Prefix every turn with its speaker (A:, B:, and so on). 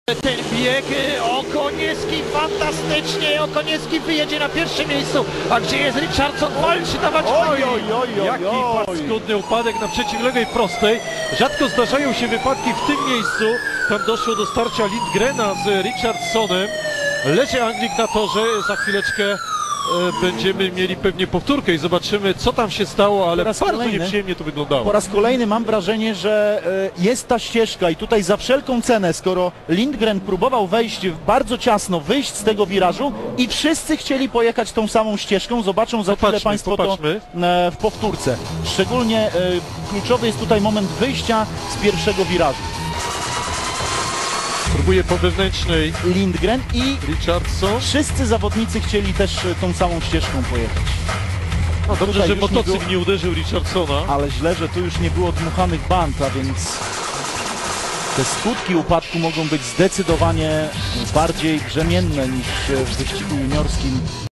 A: Ten bieg Okoniewski fantastycznie, Okoniewski wyjedzie na pierwszym miejscu, a gdzie jest Richardson, walczy dawać
B: Jaki paskudny upadek na przeciwległej prostej. Rzadko zdarzają się wypadki w tym miejscu. Tam doszło do starcia Lindgrena z Richardsonem. Leży Anglik na torze, za chwileczkę będziemy mieli pewnie powtórkę i zobaczymy, co tam się stało, ale bardzo nieprzyjemnie to wyglądało.
C: Po raz kolejny mam wrażenie, że jest ta ścieżka i tutaj za wszelką cenę, skoro Lindgren próbował wejść bardzo ciasno, wyjść z tego wirażu i wszyscy chcieli pojechać tą samą ścieżką, zobaczą za chwilę Państwo to w powtórce. Szczególnie kluczowy jest tutaj moment wyjścia z pierwszego wirażu.
B: Próbuje po wewnętrznej
C: Lindgren i
B: Richardson.
C: Wszyscy zawodnicy chcieli też tą samą ścieżką pojechać.
B: No dobrze, że motocykl nie uderzył Richardsona.
C: Ale źle, że tu już nie było dmuchanych band, a więc te skutki upadku mogą być zdecydowanie bardziej brzemienne niż w wyścigu juniorskim.